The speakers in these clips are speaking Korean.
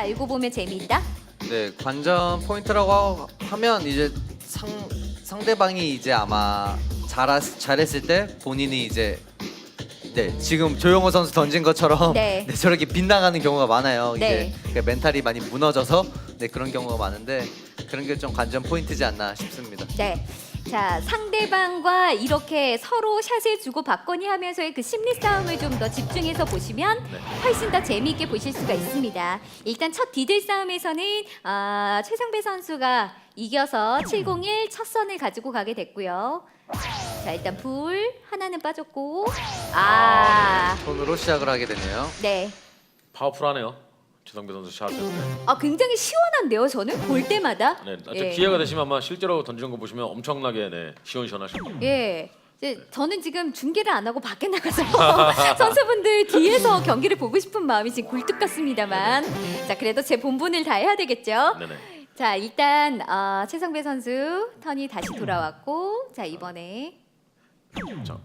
알고 보면 재미있다. 네, 관전 포인트라고 하면 이제 상대방이 이제 아마 잘했을 때 본인이 이제 지금 조용호 선수 던진 것처럼 네. 저렇게 빗나가는 경우가 많아요. 네. 이제 그러니까 멘탈이 많이 무너져서 그런 경우가 많은데 그런 게 좀 관전 포인트지 않나 싶습니다. 네. 자, 상대방과 이렇게 서로 샷을 주고 받거니 하면서의 그 심리 싸움을 좀 더 집중해서 보시면 훨씬 더 재미있게 보실 수가 있습니다. 일단 첫 디들 싸움에서는 최성배 선수가 이겨서 701 첫 선을 가지고 가게 됐고요. 자, 일단 불 하나는 빠졌고 손으로 시작을 하게 되네요. 네. 파워풀하네요. 최성배 선수 샷. 굉장히 시원한데요, 저는 볼 때마다. 네, 예. 기회가 되시면 아마 실제로 던지는 거 보시면 엄청나게 시원시원하실 겁니다. 예. 이제 저는 지금 중계를 안 하고 밖에 나가서 선수분들 뒤에서 경기를 보고 싶은 마음이 지금 굴뚝 같습니다만, 자 그래도 제 본분을 다해야 되겠죠. 네네. 자 일단 최성배 선수 턴이 다시 돌아왔고, 자 이번에 자,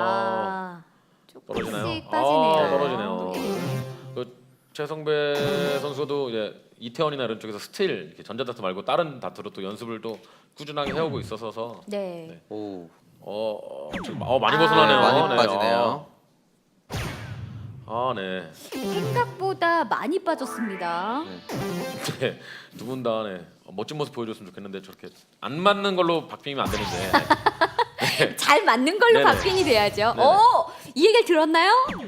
조금씩 떨어지나요? 빠지네요. 떨어지네요. 예. 그 최성배 선수도 이제 이태원이나 이런 쪽에서 스틸 이렇게 전자다트 말고 다른 다트로 또 연습을 또 꾸준하게 해오고 있어서 네. 오, 지금 많이 벗어나네요. 많이 빠지네요. 네. 생각보다 많이 빠졌습니다. 네. 두 분 다 멋진 모습 보여줬으면 좋겠는데 저렇게 안 맞는 걸로 박빙이면 안 되는데. 잘 맞는 걸로 네네. 박빙이 돼야죠. 네네. 이 얘기를 들었나요?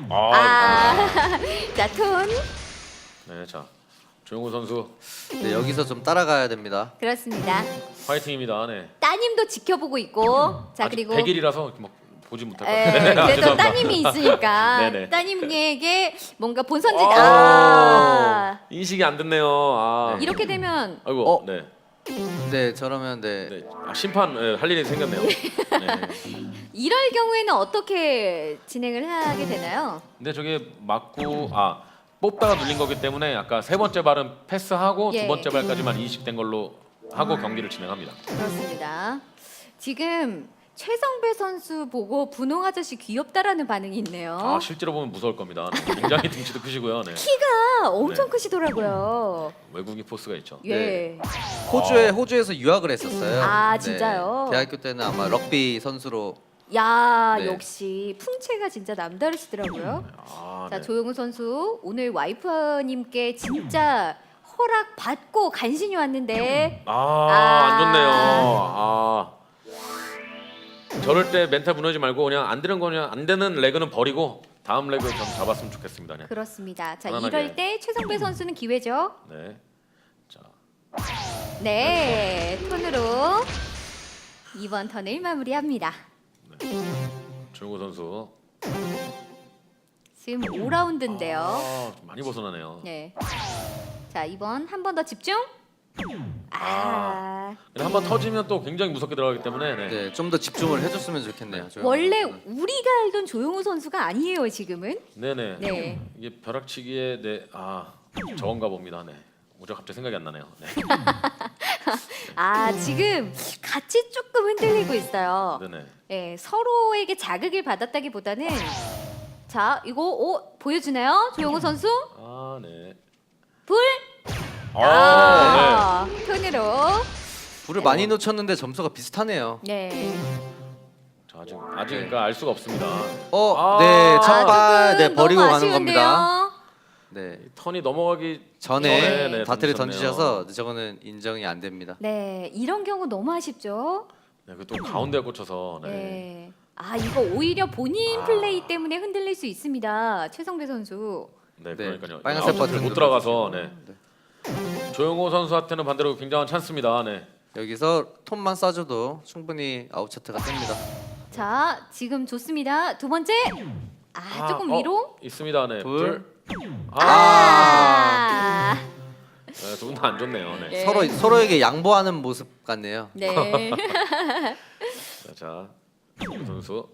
자 톤. 네, 자 조용호 선수 네, 여기서 좀 따라가야 됩니다. 그렇습니다. 화이팅입니다. 네. 따님도 지켜보고 있고, 자 아직 그리고 100일이라서 막 보지 못할 것 같아요. 그래도 죄송합니다. 따님이 있으니까 네네. 따님에게 뭔가 본선지 인식이 안 됐네요. 이렇게 되면 아이고 네. 네, 저러면 네. 심판 할 일이 생겼네요. 네. 이럴 경우에는 어떻게 진행을 하게 되나요? 근데 저게 맞고 뽑다가 눌린 거기 때문에 아까 세 번째 발은 패스하고 예. 두 번째 발까지만 인식된 걸로 하고 경기를 진행합니다. 그렇습니다. 지금 최성배 선수 보고 분홍 아저씨 귀엽다라는 반응이 있네요. 실제로 보면 무서울 겁니다. 굉장히 등치도 크시고요. 네. 키가 엄청 크시더라고요. 외국인 포스가 있죠. 예. 호주에서 유학을 했었어요. 진짜요? 대학교 때는 아마 럭비 선수로. 야, 네. 역시 풍채가 진짜 남다르시더라고요. 자, 네. 조용우 선수 오늘 와이프님께 진짜 허락 받고 간신히 왔는데 안 좋네요. 저럴 때 멘탈 무너지지 말고 그냥 안 되는 거냐 안 되는 레그는 버리고 다음 레그 좀 잡았으면 좋겠습니다. 네. 그렇습니다. 자, 편안하게. 이럴 때 최성배 선수는 기회죠. 네. 자, 네, 톤으로 이번 턴을 마무리합니다. 조용호 선수. 지금 5라운드인데요. 좀 많이 벗어나네요. 네. 자, 이번 한 번 더 집중. 근데 한번 터지면 또 굉장히 무섭게 들어가기 때문에 네, 좀 더 집중을 해줬으면 좋겠네요. 조용호 원래 선수는. 우리가 알던 조용우 선수가 아니에요, 지금은. 네네. 네. 이게 벼락치기에 저건가 봅니다. 네. 뭐죠? 갑자기 생각이 안 나네요. 네. 지금 같이 조금 흔들리고 있어요. 네네. 네, 서로에게 자극을 받았다기보다는 자, 이거 보여주나요? 조용호 선수? 네. 불? 네. 톤으로. 불을 많이 놓쳤는데 점수가 비슷하네요. 네. 자, 아직 그러니까 알 수가 없습니다. 네, 첫 발 조금 버리고 너무 가는 겁니다. 아쉬운데요. 네, 턴이 넘어가기 전에 다트를 던지셨네요. 던지셔서 저거는 인정이 안 됩니다. 네, 이런 경우 너무 아쉽죠. 네, 그 또 가운데 꽂혀서. 네. 네. 이거 오히려 본인 플레이 때문에 흔들릴 수 있습니다. 최성배 선수. 네, 그러니까요. 빨간색 아웃사이드 버튼 못 들어가서. 네. 조용호 선수한테는 반대로 굉장한 찬스입니다. 네. 여기서 톤만 쏴줘도 충분히 아웃차트가 뜹니다. 자, 지금 좋습니다. 두 번째. 조금 위로. 있습니다. 네. 불. 네, 두 분 다 안 좋네요. 네. 네. 서로에게 양보하는 모습 같네요. 네. 자, 조용호 선수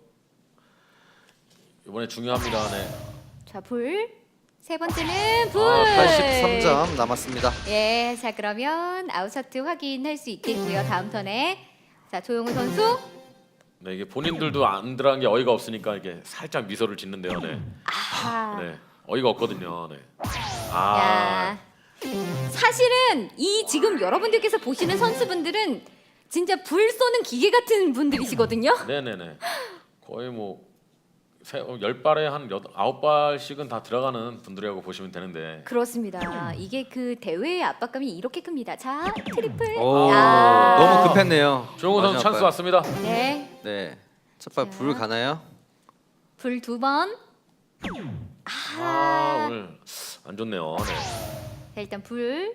이번에 중요합니다. 네. 자, 불. 세 번째는 불. 83점 남았습니다. 예, 자 그러면 아웃차트 확인할 수 있겠고요. 다음 턴에 자 조용우 선수. 네, 이게 본인들도 안 들어간 게 어이가 없으니까 이게 살짝 미소를 짓는데요. 네. 네. 어이가 없거든요. 네. 야, 사실은 이 지금 여러분들께서 보시는 선수분들은 진짜 불 쏘는 기계 같은 분들이시거든요. 네네네. 거의 뭐 10발에 한 9발씩은 다 들어가는 분들이라고 보시면 되는데. 그렇습니다. 이게 그 대회의 압박감이 이렇게 큽니다. 자, 트리플. 오, 아. 너무 급했네요. 조용호 선수 마지막 찬스 발. 왔습니다. 네. 네, 첫 발 자. 불 가나요? 불 2번. 아, 오늘 안 좋네요. 네. 자, 일단 불.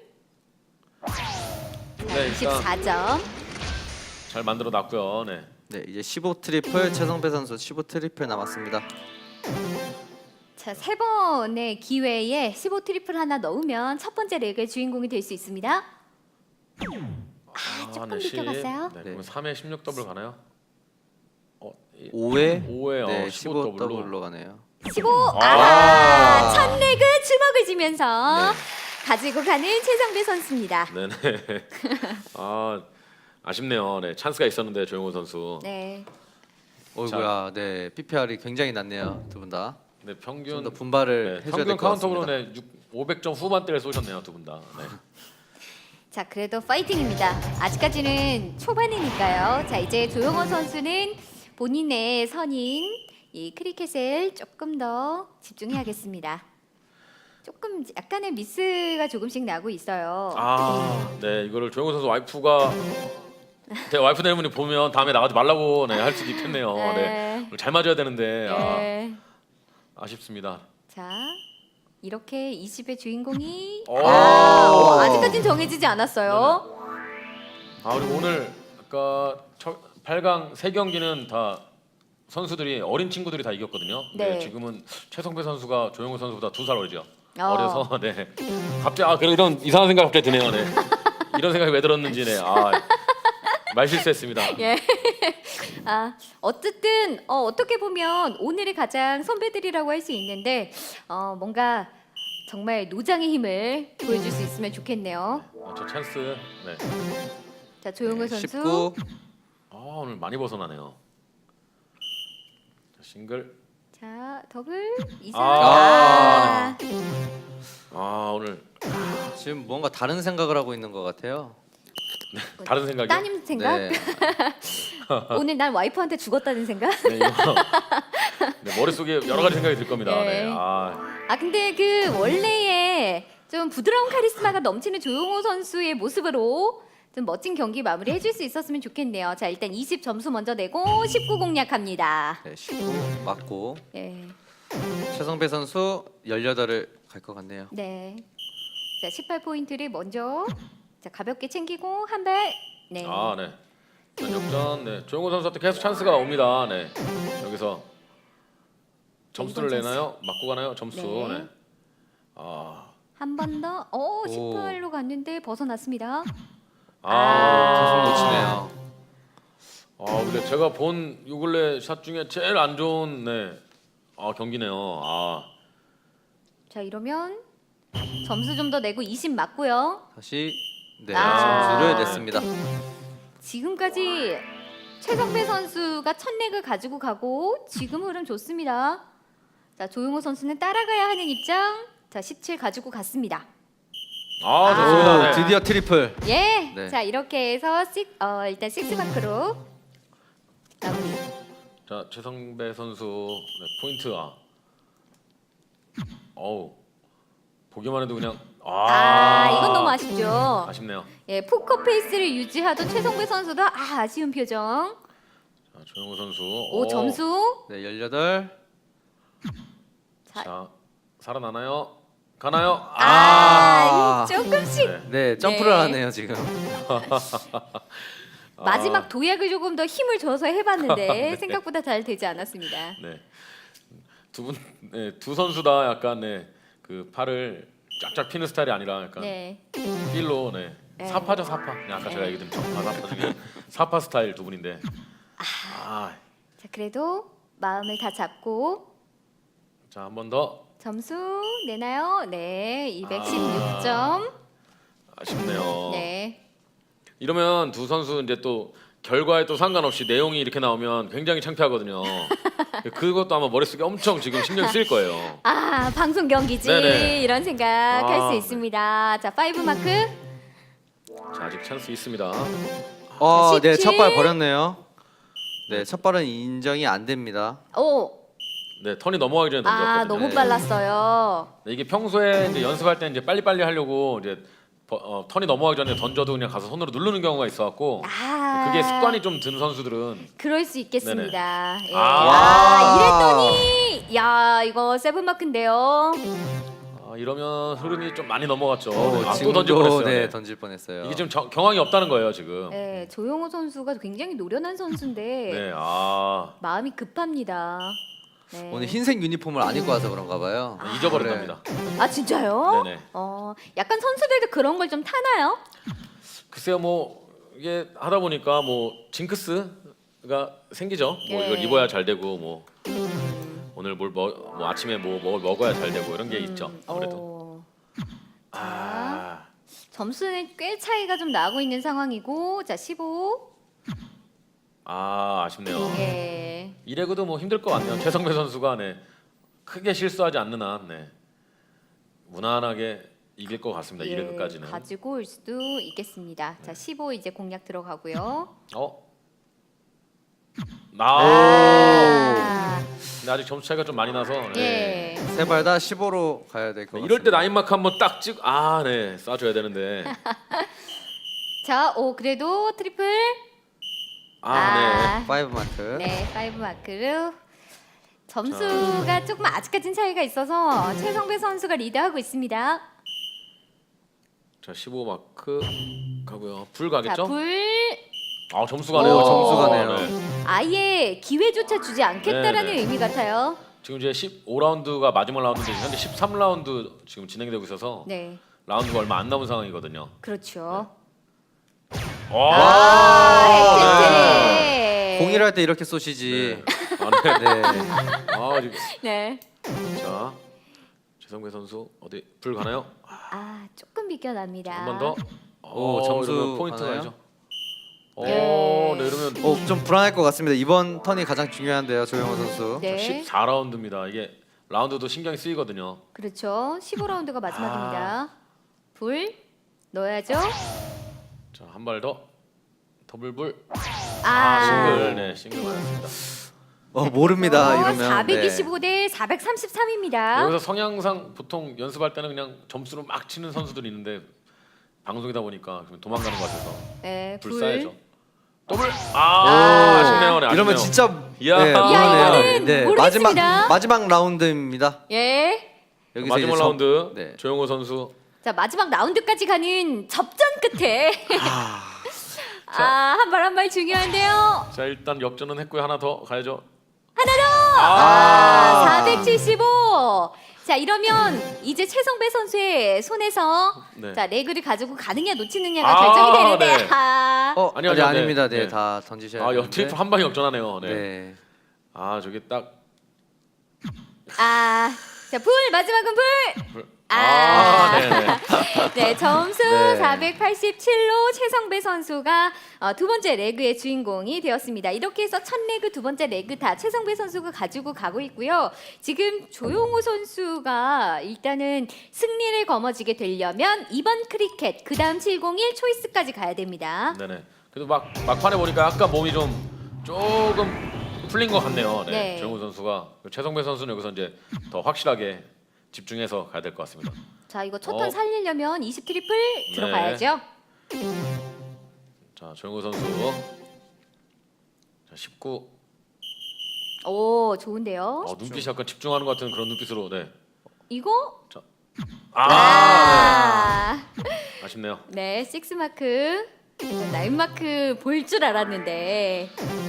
네, 일단 24점. 잘 만들어 놨고요. 네. 네, 이제 15 트리플 최성배 선수 15 트리플 남았습니다. 자, 3번의 기회에 15 트리플 하나 넣으면 첫 번째 레그의 주인공이 될 수 있습니다. 조금 비켜갔어요. 네, 그러면 3회 16 더블 가나요? 5회 5회 네, 15 15 더블로. 더블로 가네요. 15. 아. 첫 레그 주먹을 쥐면서 가지고 가는 최성배 선수입니다. 네네. 아쉽네요. 네, 찬스가 있었는데 조용호 선수. 네. 어이구야, 네, PPR이 굉장히 낮네요, 두 분 다. 네, 좀 평균 더 분발을 네, 해줘야 평균 될 것 카운터로 같습니다. 네, 500점 후반대를 쏘셨네요, 두 분 다. 네. 자, 그래도 파이팅입니다. 아직까지는 초반이니까요. 자, 이제 조용호 선수는 본인의 선인 이 크리켓을 조금 더 집중해야겠습니다. 조금 약간의 미스가 조금씩 나고 있어요. 네, 이거를 조용호 선수 와이프가 제 와이프 때문에 보면 다음에 나가지 말라고 네, 할 수도 있겠네요. 네. 잘 맞아야 되는데 네. 아쉽습니다. 자, 이렇게 20의 주인공이 오. 아직까지는 정해지지 않았어요. 그리고 오늘 아까 8강 3경기는 다 선수들이 어린 친구들이 다 이겼거든요. 네. 지금은 최성배 선수가 조용호 선수보다 2살 어리죠. 어. 어려서 네. 갑자기 그래 이런 이상한 생각 갑자기 드네요. 네. 이런 생각이 왜 들었는지 네. 말 실수했습니다. 예. 어쨌든 어떻게 보면 오늘의 가장 선배들이라고 할 수 있는데 뭔가 정말 노장의 힘을 보여줄 수 있으면 좋겠네요. 저 찬스. 네. 자, 조용호 선수. 19 오늘 많이 벗어나네요. 자, 싱글. 자, 더블 이상. 아. 오늘 지금 뭔가 다른 생각을 하고 있는 것 같아요. 다른 생각이요? 따님 생각? 네, 오늘 난 와이프한테 죽었다는 생각? 네, 이거 네, 머릿속에 여러 가지 생각이 들 겁니다. 네. 네. 근데 그 원래의 좀 부드러운 카리스마가 넘치는 조용호 선수의 모습으로 좀 멋진 경기 마무리 해줄 수 있었으면 좋겠네요. 자, 일단 20 점수 먼저 내고 19 공략합니다. 네, 19 맞고 네. 최성배 선수 18을 갈 것 같네요. 네. 자, 18포인트를 먼저 자, 가볍게 챙기고 한 발. 네. 네. 전역전. 네. 조용호 선수한테 계속 찬스가 옵니다. 네. 여기서 점수를 이번 내나요? 맞고 가나요? 점수. 네. 네. 한 번 더. 18로 갔는데 벗어났습니다. 계속 놓치네요. 근데 제가 본 요 근래 샷 중에 제일 안 좋은 경기네요. 자, 이러면 점수 좀 더 내고 20 맞고요. 다시 네, 아. 점수를 냈습니다. 지금까지 최성배 선수가 첫 렉을 가지고 가고 지금 흐름 좋습니다. 자, 조용호 선수는 따라가야 하는 입장. 자, 17 가지고 갔습니다. 좋습니다. 오, 네. 드디어 트리플. 예. 네. 자, 이렇게 해서 일단 6마크로 마무리. 자, 최성배 선수 네, 포인트. 보기만 해도 그냥 이건 너무 아쉽죠. 아쉽네요. 예, 포커 페이스를 유지하던 최성배 선수도 아쉬운 표정. 자, 조용호 선수. 오, 점수. 네, 18. 자, 살아나나요? 가나요? 조금씩 네. 네, 점프를 네. 하네요 지금. 마지막 도약을 조금 더 힘을 줘서 해봤는데 네. 생각보다 잘 되지 않았습니다. 네. 두 선수 다 약간 그 팔을 쫙쫙 피는 스타일이 아니라 약간 네. 필로 네. 사파죠, 사파. 아까 제가 얘기했던 정파 사파 중에 사파 스타일 두 분인데. 자, 그래도 마음을 다 잡고 자, 한 번 더. 점수 내나요? 네, 216점. 아쉽네요. 네. 이러면 두 선수 이제 또 결과에 또 상관없이 내용이 이렇게 나오면 굉장히 창피하거든요. 그것도 아마 머릿속에 엄청 지금 신경 쓰일 거예요. 아 방송 경기지 네네. 이런 생각할 수 네. 있습니다. 자 5 마크. 자, 아직 찬스 있습니다. 네, 17. 첫 발 버렸네요. 네, 첫 발은 인정이 안 됩니다. 오. 네, 턴이 넘어가기 전에 던졌거든요. 아 너무 네. 빨랐어요. 네, 이게 평소에 이제 연습할 때 이제 빨리빨리 하려고 이제 턴이 넘어가기 전에 던져도 그냥 가서 손으로 누르는 경우가 있어갖고 아 그게 습관이 좀 든 선수들은 그럴 수 있겠습니다. 예. 아. 이랬더니 야 이거 7 마크인데요. 이러면 흐름이 좀 많이 넘어갔죠. 오, 네, 또 지금도 던질 뻔했어요. 네, 네. 던질 뻔했어요. 이게 지금 경황이 없다는 거예요 지금. 네, 조용호 선수가 굉장히 노련한 선수인데 네, 마음이 급합니다. 네. 오늘 흰색 유니폼을 안 입고 와서 그런가 봐요. 잊어버렸답니다. 아 진짜요? 네네. 약간 선수들도 그런 걸 좀 타나요? 글쎄요, 뭐 이게 하다 보니까 뭐 징크스가 생기죠. 뭐 예. 이걸 입어야 잘 되고 뭐 오늘 뭐 아침에 뭐 먹어야 잘 되고 이런 게 있죠. 아무래도. 점수는 꽤 차이가 좀 나고 있는 상황이고 자 15. 아쉽네요. 예. 이래그도 뭐 힘들 것 같네요. 최성배 선수가 네, 크게 실수하지 않는 한 네, 무난하게 이길 것 같습니다. 이래그까지는. 가지고 올 수도 있겠습니다. 자 15 이제 공략 들어가고요. 근데 아직 점수 차이가 좀 많이 나서. 네. 예. 세 발 다 15로 가야 될 것 같습니다. 이럴 때 나인마크 한번 딱 찍. 네, 쏴줘야 되는데. 자, 오 그래도 트리플. 네. 5 마크. 네, 5 마크로 점수가 조금 아직까진 차이가 있어서 최성배 선수가 리드하고 있습니다. 자, 15마크 가고요. 불 자, 가겠죠? 불 점수 가네요. 오, 점수 가네요. 네. 아예 기회조차 주지 않겠다라는 네, 네. 의미 같아요. 지금 이제 15라운드가 마지막 라운드인데 현재 13라운드 지금 진행되고 있어서 네, 라운드가 얼마 안 남은 상황이거든요. 그렇죠. 네. 혜택. 공일할 때 이렇게 쏘시지. 네. 네. 지금 네. 자, 최성배 선수 어디 불 가나요? 조금 비껴납니다. 한 번 더. 점수 이러면 포인트 가나요? 가죠. 네. 네, 이러면 좀 불안할 것 같습니다. 이번 턴이 가장 중요한데요, 조용호 선수. 네, 14라운드입니다. 이게 라운드도 신경이 쓰이거든요. 그렇죠. 15라운드가 마지막입니다. 불 넣어야죠. 자, 한 발 더. 더블불. 싱글. 네, 싱글 맞았습니다. 모릅니다. 이러면. 425 대 433입니다. 여기서 성향상 보통 연습할 때는 그냥 점수로 막 치는 선수들이 있는데 방송이다 보니까 그냥 도망가는 것 같아서 네, 불 불. 쏴야죠. 더블. 아쉽네요. 네, 이러면 아쉽네요. 진짜 이야. 네, 이거는 네, 모르겠습니다. 마지막 라운드입니다. 예. 여기서 마지막 이제 라운드 네. 조용호 선수. 자 마지막 라운드까지 가는 접전 끝에 한 발 한 발 중요한데요. 자, 일단 역전은 했고요. 하나 더 가야죠. 하나 더. 475. 자 이러면 이제 최성배 선수의 손에서 네. 자 레그를 가지고 가느냐 놓치느냐가 결정이 되는데 네. 아니, 아니요, 아닙니다. 네. 네, 다 던지셔야 되는데. 트리플 한 방에 역전하네요. 네. 네. 저게 딱 자 불 마지막은 불. 불. 네. 네. 네 점수 네. 487로 최성배 선수가 두 번째 레그의 주인공이 되었습니다. 이렇게 해서 첫 레그, 두 번째 레그 다 최성배 선수가 가지고 가고 있고요. 지금 조용호 선수가 일단은 승리를 거머쥐게 되려면 이번 크리켓 그 다음 701 초이스까지 가야 됩니다. 네네. 그래도 막판에 보니까 아까 몸이 좀 조금 풀린 것 같네요. 네. 네. 조용호 선수가 최성배 선수는 여기서 이제 더 확실하게 집중해서 가야 될 것 같습니다. 자 이거 첫 턴 살리려면 20 트리플 들어가야죠. 자, 조용호 선수. 자, 19. 오 좋은데요. 눈빛이 약간 집중하는 것 같은 그런 눈빛으로. 네. 이거 자. 네. 아쉽네요. 네, 6 마크, 9 마크 볼 줄 알았는데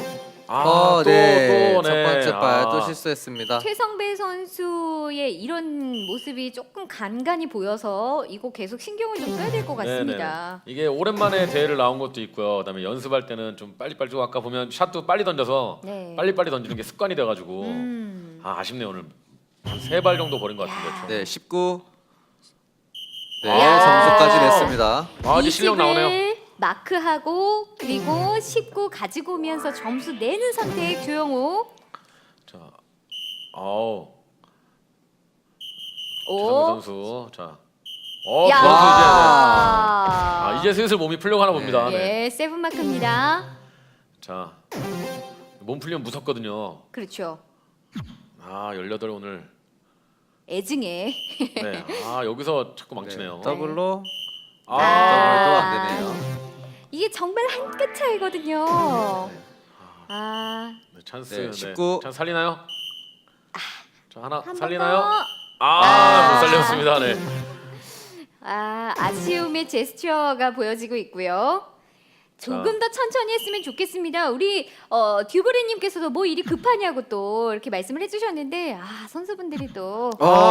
네. 또, 첫 번째 발 또 실수했습니다. 최성배 선수의 이런 모습이 조금 간간히 보여서 이거 계속 신경을 좀 써야 될 것 같습니다. 네네. 이게 오랜만에 대회를 나온 것도 있고요. 그다음에 연습할 때는 좀 빨리빨리 좀 아까 보면 샷도 빨리 던져서 네. 빨리빨리 던지는 게 습관이 돼가지고 아쉽네요. 오늘 한 3발 정도 버린 것 같은데. 총. 네, 19. 네, 야. 점수까지 냈습니다. 이제 실력 나오네요. 마크하고 그리고 19 가지고 오면서 점수 내는 선택 조영호. 자, 아우 오. 최성배 선수. 자, 야. 선수 이제 슬슬 몸이 풀려고 하나 봅니다. 네. 예, 세븐 마크입니다. 자, 몸 풀리면 무섭거든요. 그렇죠. 18 오늘. 애증에. 네. 여기서 자꾸 망치네요. 더블로 아, 더블도 안 되네요. 이게 정말 한 끗 차이거든요. 아, 네, 찬스. 네, 네. 19. 찬스 살리나요? 자, 하나 한 번 살리나요? 더. 못 살렸습니다. 네. 아쉬움의 제스처가 보여지고 있고요. 조금 더 천천히 했으면 좋겠습니다. 우리 듀브리님께서도 뭐 일이 급하냐고 또 이렇게 말씀을 해주셨는데 선수분들이 또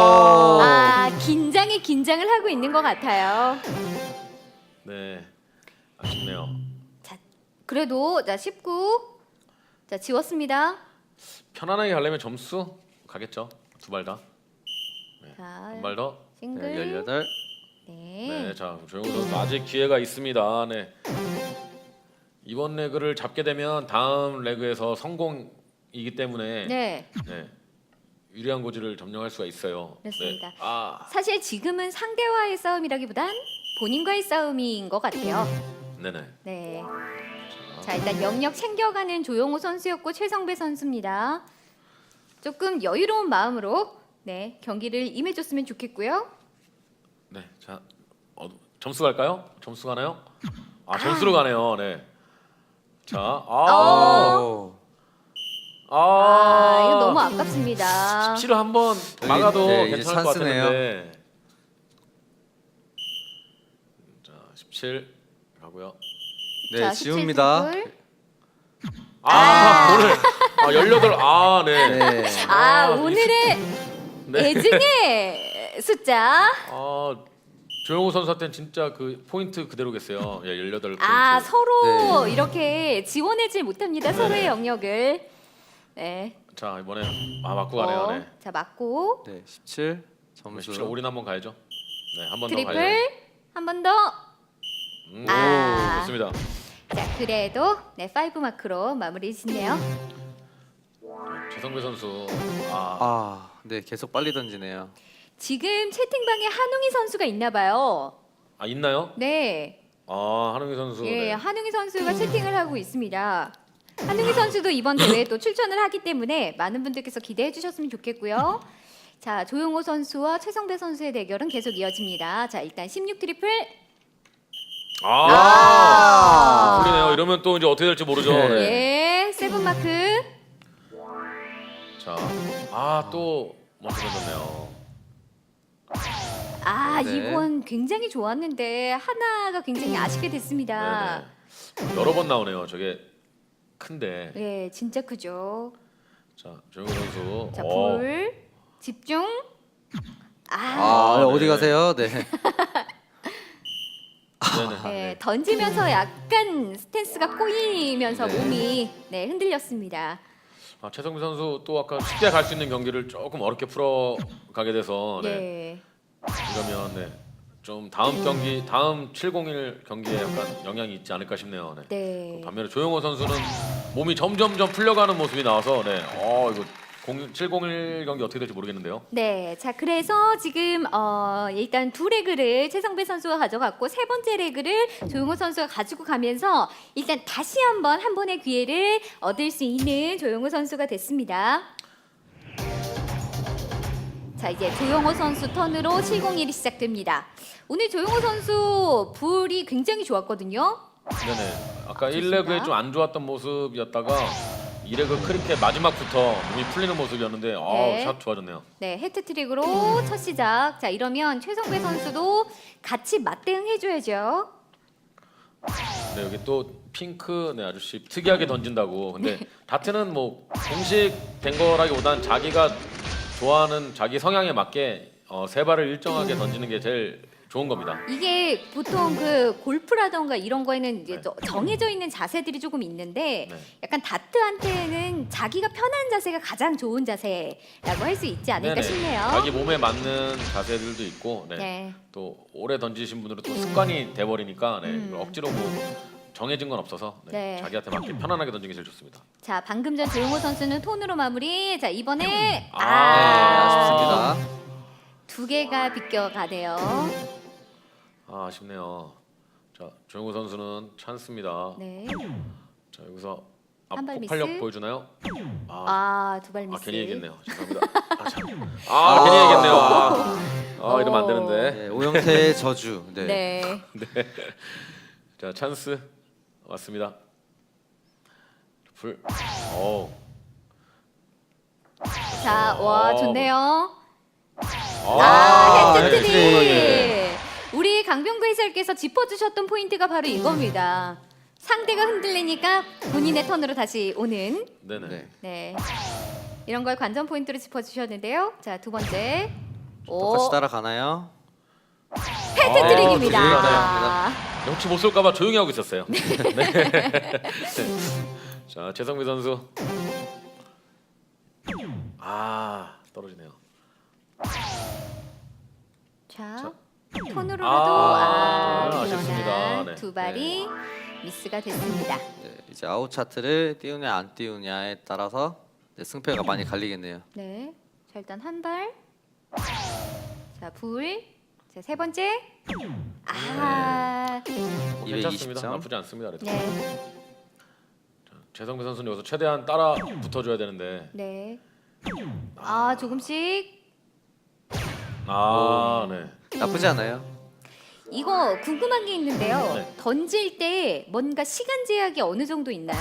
긴장에 긴장을 하고 있는 것 같아요. 네. 아쉽네요. 자, 그래도 19. 자, 지웠습니다. 편안하게 가려면 점수 가겠죠. 두 발 다. 자, 한 발 더. 싱글. 네, 18. 네, 자 조영우 선수 아직 기회가 있습니다. 네. 이번 레그를 잡게 되면 다음 레그에서 성공이기 때문에 네. 네, 유리한 고지를 점령할 수가 있어요. 그렇습니다. 네. 사실 지금은 상대와의 싸움이라기보단 본인과의 싸움인 것 같아요. 네네. 네. 자, 일단 영역 챙겨가는 조용호 선수였고 최성배 선수입니다. 조금 여유로운 마음으로 네 경기를 임해줬으면 좋겠고요. 네, 자 점수 갈까요? 점수 가나요? 점수로 가네요. 네. 자, 이거 너무 아깝습니다. 17을 한번 막아도 네, 이제 괜찮을 것 찬스네요. 같은데. 자, 17 가고요. 네, 자, 지웁니다. 17 오늘 18. 네. 네. 오늘의 네. 애증의 숫자. 조영우 선수한테는 진짜 그 포인트 그대로겠어요. 18 포인트. 서로 네. 이렇게 지원하지 못합니다. 서로의 영역을. 네. 자, 이번에 맞고 가네요. 네. 자, 맞고 네, 17 점수. 17 올인 한번 가야죠. 네, 한 번 더 트리플 가야죠. 한 번 더. 좋습니다. 자, 그래도 네, 5 마크로 마무리 짓네요. 최성배 선수. 네, 계속 빨리 던지네요. 지금 채팅방에 한웅이 선수가 있나 봐요. 있나요? 네. 한웅희 선수. 예, 네. 한웅이 선수가 채팅을 하고 있습니다. 한웅이 선수도 이번 대회에 또 출전을 하기 때문에 많은 분들께서 기대해 주셨으면 좋겠고요. 자, 조용호 선수와 최성배 선수의 대결은 계속 이어집니다. 자, 일단 16 트리플. 풀리네요. 이러면 또 이제 어떻게 될지 모르죠. 네. 예, 7 마크. 자, 또 먼저 던졌네요. 네. 이번 굉장히 좋았는데 하나가 굉장히 아쉽게 됐습니다. 네네. 여러 번 나오네요. 저게 큰데. 네, 진짜 크죠. 자, 조영우 선수. 자, 불 집중. 어디 네. 가세요? 네. 네네. 네, 던지면서 약간 스탠스가 꼬이면서 네. 몸이 흔들렸습니다. 최성비 선수 또 아까 쉽게 갈 수 있는 경기를 조금 어렵게 풀어 가게 돼서 네. 이러면 좀 다음 경기 다음 701 경기에 약간 영향이 있지 않을까 싶네요. 네. 네. 반면에 조영호 선수는 몸이 점점점 풀려가는 모습이 나와서 이거 701 경기 어떻게 될지 모르겠는데요. 네, 자 그래서 지금 일단 두 레그를 최성배 선수가 가져갔고 세 번째 레그를 조용호 선수가 가지고 가면서 일단 다시 한 번의 기회를 얻을 수 있는 조용호 선수가 됐습니다. 자 이제 조용호 선수 턴으로 701이 시작됩니다. 오늘 조용호 선수 불이 굉장히 좋았거든요. 네네. 아까 좋습니다. 1레그에 좀 안 좋았던 모습이었다가 2레그 크리켓 마지막부터 몸이 풀리는 모습이었는데 네. 샷 좋아졌네요. 네, 해트트릭으로 첫 시작. 자 이러면 최성배 선수도 같이 맞대응해줘야죠. 네, 여기 또 핑크 아저씨 특이하게 던진다고. 근데 다트는 뭐 공식 된 거라기보단 자기가 좋아하는 자기 성향에 맞게 세 발을 일정하게 던지는 게 제일 좋은 겁니다. 이게 보통 그 골프라던가 이런 거에는 이제 네. 정해져 있는 자세들이 조금 있는데 네. 약간 다트한테는 자기가 편한 자세가 가장 좋은 자세라고 할 수 있지 않을까 네네. 싶네요. 자기 몸에 맞는 자세들도 있고, 네. 네. 또 오래 던지신 분들은 또 습관이 돼버리니까, 네. 음. 억지로 뭐 정해진 건 없어서 네. 네. 자기한테 맞게 편안하게 던지는 게 제일 좋습니다. 자, 방금 전 조용호 선수는 톤으로 마무리. 자, 이번에 네, 아쉽습니다. 두 개가 비껴가네요. 아, 아쉽네요. 자, 조용호 선수는 찬스입니다. 네. 자, 여기서 한발 폭발력 미스. 보여주나요? 두 발 미스. 괜히 얘기했네요. 죄송합니다. 괜히 얘기했네요. 이러면 안 되는데. 네, 오영태의 저주. 네. 네. 자, 찬스 왔습니다. 불. 오. 자, 와, 좋네요. 아, 헤드트릭. 네. 우리 강병구 해설께서 짚어주셨던 포인트가 바로 이겁니다. 상대가 흔들리니까 본인의 턴으로 다시 오는. 네네. 네. 네. 이런 걸 관전 포인트로 짚어주셨는데요. 자, 두 번째. 똑같이 따라가나요? 헤드트릭입니다. 아, 혹시 못 쏠까봐 조용히 하고 있었어요. 네. 자, 최성미 선수. 떨어지네요. 자, 톤으로라도 아쉽습니다. 네. 두 발이 미스가 됐습니다. 네, 이제 아웃 차트를 띄우냐 안 띄우냐에 따라서 네, 승패가 많이 갈리겠네요. 네. 자, 일단 한 발. 자, 불. 자, 세 번째. 괜찮습니다. 220점. 나쁘지 않습니다. 그래도. 네. 최성미 선수는 여기서 최대한 따라 붙어줘야 되는데. 네. 조금씩. 네. 나쁘지 않아요. 이거 궁금한 게 있는데요. 네. 던질 때 뭔가 시간 제약이 어느 정도 있나요?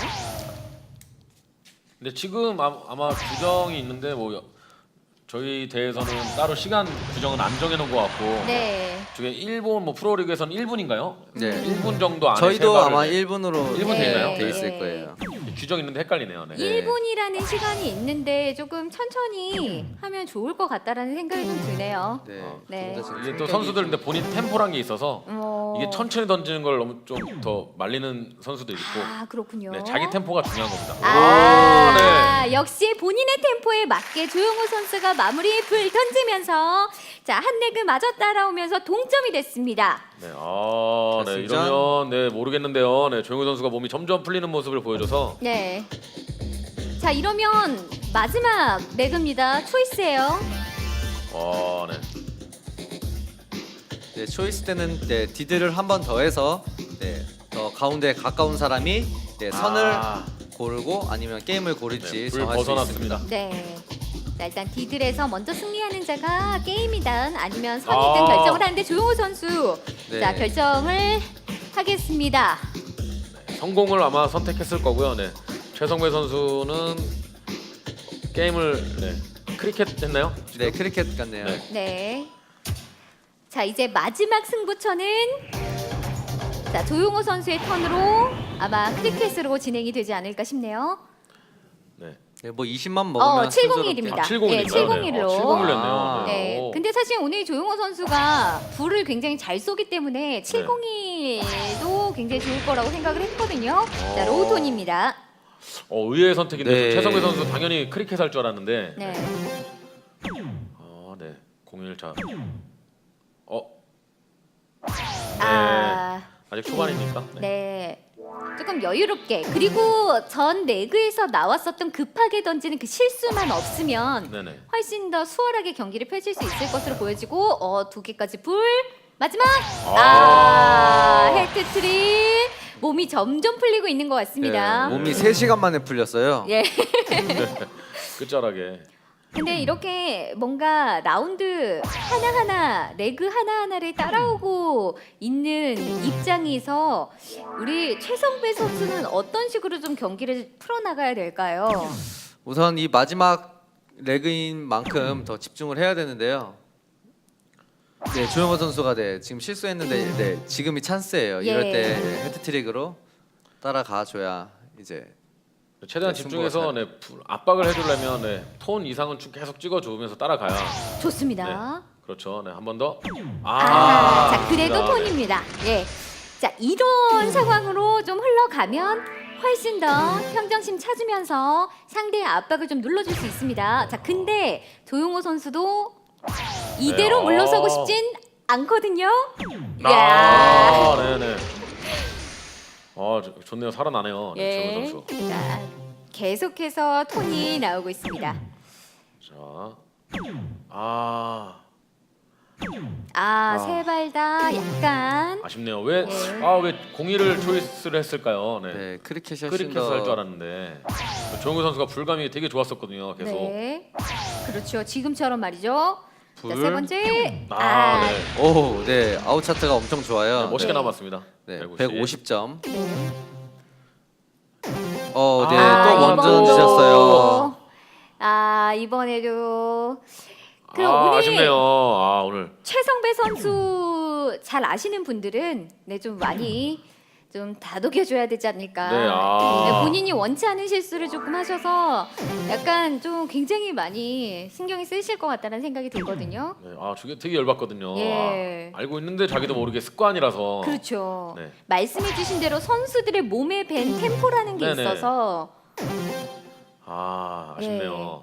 근데 지금 아마 규정이 있는데 저희 대회에서는 따로 시간 규정은 안 정해놓은 것 같고. 네. 저게 일본 프로리그에서는 1분인가요? 네. 1분 정도 안에 저희도 세 발을, 아마 네. 1분으로 일본 되나요? 돼 있을 네. 거예요. 규정 있는데 헷갈리네요. 네. 1분이라는 시간이 있는데 조금 천천히 하면 좋을 것 같다라는 생각이 좀 드네요. 네. 네. 좀더 지금 이게 또 성격이 선수들 좀- 근데 본인 템포란 게 있어서 이게 천천히 던지는 걸 너무 좀 더 말리는 선수도 있고 그렇군요. 네, 자기 템포가 중요한 겁니다. 역시 본인의 템포에 맞게 조용호 선수가 마무리 불 던지면서 자, 한 레그 마저 따라오면서 동점이 됐습니다. 네, 자, 이러면 모르겠는데요. 네, 조용호 선수가 몸이 점점 풀리는 모습을 보여줘서 네. 자, 이러면 마지막 레그입니다. 초이스예요. 네. 네, 초이스 때는 네, 디드를 한 번 더 해서 네, 더 가운데 가까운 사람이 네, 선을 고르고 아니면 게임을 고를지 네, 불 정할 수 벗어났습니다. 있습니다. 네. 자, 일단 디들에서 먼저 승리하는 자가 게임이든 아니면 선이든 아. 결정을 하는데 조용호 선수 네. 자, 결정을 하겠습니다. 성공을 아마 선택했을 거고요. 네. 최성배 선수는 게임을 크리켓 했나요? 네, 크리켓 같네요. 네. 네. 자, 이제 마지막 승부처는 자, 조용호 선수의 턴으로 아마 크리켓으로 진행이 되지 않을까 싶네요. 네. 네, 뭐 20만 먹으면 701입니다. 701 네, 인가요? 701로. 701로 했네요. 아. 네. 오. 근데 사실 오늘 조용호 선수가 불을 굉장히 잘 쏘기 때문에 701도 굉장히 좋을 거라고 생각을 했거든요. 자, 로우톤입니다. 의외의 선택인데 네. 최성배 선수 당연히 크리켓 할 줄 알았는데 네. 네. 01자 아직 초반이니까 네. 조금 여유롭게 그리고 전 레그에서 나왔었던 급하게 던지는 그 실수만 없으면 네네. 훨씬 더 수월하게 경기를 펼칠 수 있을 것으로 보여지고 두 개까지 불 마지막 헤드트릭 몸이 점점 풀리고 있는 것 같습니다. 몸이 3시간 만에 풀렸어요. 예. 끝자락에 근데 이렇게 뭔가 라운드 하나하나 레그 하나하나를 따라오고 있는 입장에서 우리 최성배 선수는 어떤 식으로 좀 경기를 풀어나가야 될까요? 우선 이 마지막 레그인 만큼 더 집중을 해야 되는데요. 네, 조용호 선수가 지금 실수했는데 네, 지금이 찬스예요. 예. 이럴 때 헤드트릭으로 따라가 줘야 이제 최대한 네, 집중해서 압박을 해주려면 톤 이상은 쭉 계속 찍어주면서 따라가야 좋습니다. 그렇죠. 네, 한 번 더. 자 그래도 네. 톤입니다. 예. 자 이런 상황으로 좀 흘러가면 훨씬 더 평정심 찾으면서 상대의 압박을 좀 눌러줄 수 있습니다. 자 근데 조용호 선수도 이대로 네. 물러서고 싶진 않거든요. 네네. 좋네요. 살아나네요. 네, 조용호 예. 선수. 자 계속해서 톤이 나오고 있습니다. 자, 세 발 다 약간 아쉽네요. 왜 예. 왜 공이를 초이스를 했을까요? 네. 네, 크리켓이 훨씬 크리켓 더 할줄 알았는데 조용호 선수가 불감이 되게 좋았었거든요. 계속. 네. 그렇죠. 지금처럼 말이죠. 자, 불. 세 번째. 네. 오, 네, 아웃 차트가 엄청 좋아요. 네, 멋있게 네. 남았습니다. 네, 150. 150점. 네. 네, 아, 또 원전 이번도. 주셨어요. 이번에도 오늘 아쉽네요. 오늘 최성배 선수 잘 아시는 분들은 좀 많이 좀 다독여줘야 되지 않을까. 네, 네, 본인이 원치 않은 실수를 조금 하셔서 약간 좀 굉장히 많이 신경이 쓰이실 것 같다는 생각이 들거든요. 네, 저게 되게 열받거든요. 예. 알고 있는데 자기도 모르게 습관이라서. 그렇죠. 네. 말씀해주신 대로 선수들의 몸에 밴 템포라는 게 네네. 있어서 아쉽네요.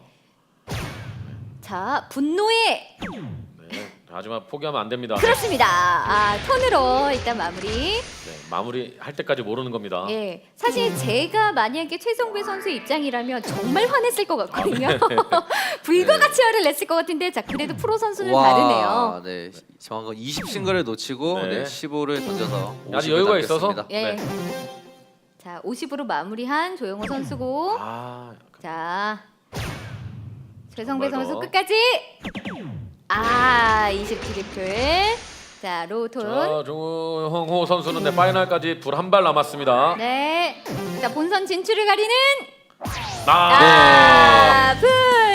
자 분노의 네. 하지만 포기하면 안 됩니다. 그렇습니다. 톤으로 일단 마무리. 네, 마무리 할 때까지 모르는 겁니다. 예, 사실 제가 만약에 최성배 선수의 입장이라면 정말 화냈을 것 같거든요. 불과 같이 화를 냈을 것 같은데, 자 그래도 프로 선수는 다르네요. 네, 정확한 20 싱글을 놓치고 네. 네. 15를 던져서 아직 50을 여유가 있어서. 남겼습니다. 예. 네. 자 50으로 마무리한 조용호 선수고, 자 최성배 정말 선수 더. 끝까지 20 트리플. 자 로톤. 자, 조용호 선수는 네, 파이널까지 불 한 발 남았습니다. 네. 자 본선 진출을 가리는 불.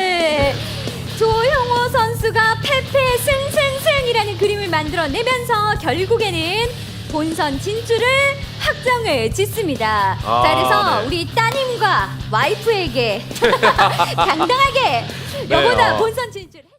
조용호 선수가 패패 승승승이라는 그림을 만들어내면서 결국에는 본선 진출을 확정을 짓습니다. 자 그래서 네. 우리 따님과 와이프에게 당당하게 네, 여보나 본선 진출.